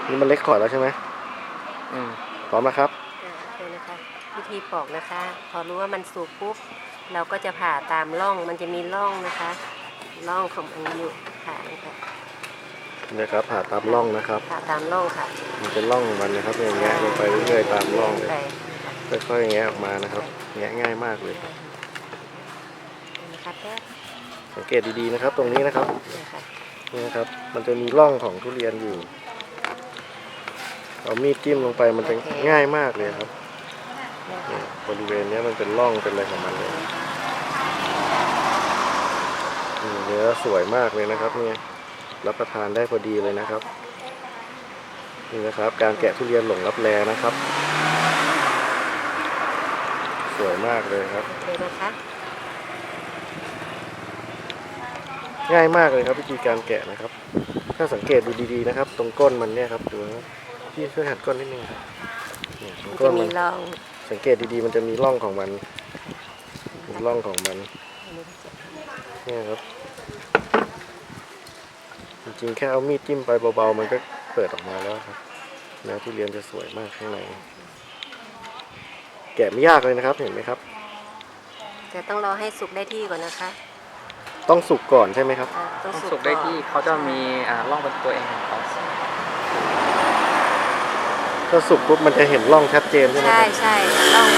นี่มันเล็กขอดแล้วใช่ไหมพร้อมนะครับโอเคนะคะวิธีปอกนะคะพอรู้ว่ามันสุกปุ๊บเราก็จะผ่าตามร่องมันจะมีร่องนะคะร่องของมันอยู่ผ่านะคะนะครับผ่าตามร่องนะครับผ่าตามร่องค่ะมันเป็นร่องของมันนะครับอย่างเงี้ยลงไปเรื่อยๆตามร่องเลยค่อยๆแงะออกมานะครับแงะง่ายมากเลยนะครับสังเกตดีๆนะครับตรงนี้นะครับนี่นะครับมันจะมีร่องของทุเรียนอยู่เอามีดจิ้มลงไปมันจะง่ายมากเลยครับบริเวณนี้มันเป็นร่องเป็นอะไรของมันเลยเนื้อสวยมากเลยนะครับเนี่ยรับประทานได้พอดีเลยนะครับนี่นะครับการแกะทุเรียนหลงลับแลนะครับสวยมากเลยครับง่ายมากเลยครับวิธีการแกะนะครับถ้าสังเกตดูดีๆนะครับตรงก้นมันเนี่ยครับดูนะพี่ช่วยหัดก้นนิดนึงครับตรงก้นมันสังเกตดีๆมันจะมีร่องของมันมีร่องของมันเนี่ยครับจริงๆแค่เอามีดจิ้มไปเบาๆมันก็เปิดออกมาแล้วครับเนื้อทุเรียนจะสวยมากข้างในแกะไม่ยากเลยนะครับเห็นไหมครับแต่ต้องรอให้สุกได้ที่ก่อนนะคะต้องสุกก่อนใช่ไหมครับต้องสุกได้ที่เขาจะมีร่องเป็นตัวเองของเขาถ้าสุกปุ๊บมันจะเห็นร่องชัดเจนใช่ไหมครับใช่ร่อง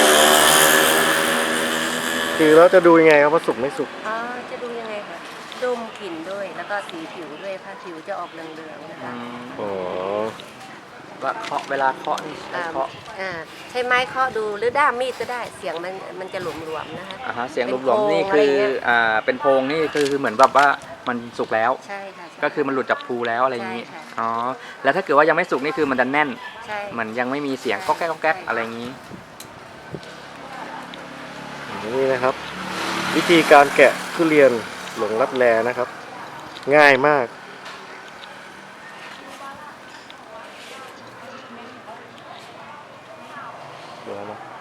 คือเราจะดูยังไงครับว่าสุกไม่สุกจะดูยังไงคะดมกลิ่นด้วยแล้วก็สีผิวด้วยผ้าผิวจะออกเหลืองๆนะคะอ๋อว่าเวลาเคาะนี่ใช้เคาะใช้ไม้เคาะดูหรือด้ามมีดก็ได้เสียงมันจะหลวมๆนะคะเสียงหลวมๆนี่คือเป็นโพงนี่คือเหมือนแบบว่ามันสุกแล้วใช่ค่ะก็คือมันหลุดจากภูแล้วอะไรอย่างนี้อ๋อแล้วถ้าเกิดว่ายังไม่สุกนี่คือมันจะแน่นมันยังไม่มีเสียงก๊อกแก๊กก๊อกแก๊กอะไรอย่างนี้นี่นะครับวิธีการแกะทุเรียนหลงลับแลนะครับง่ายมากดูแล้วนะ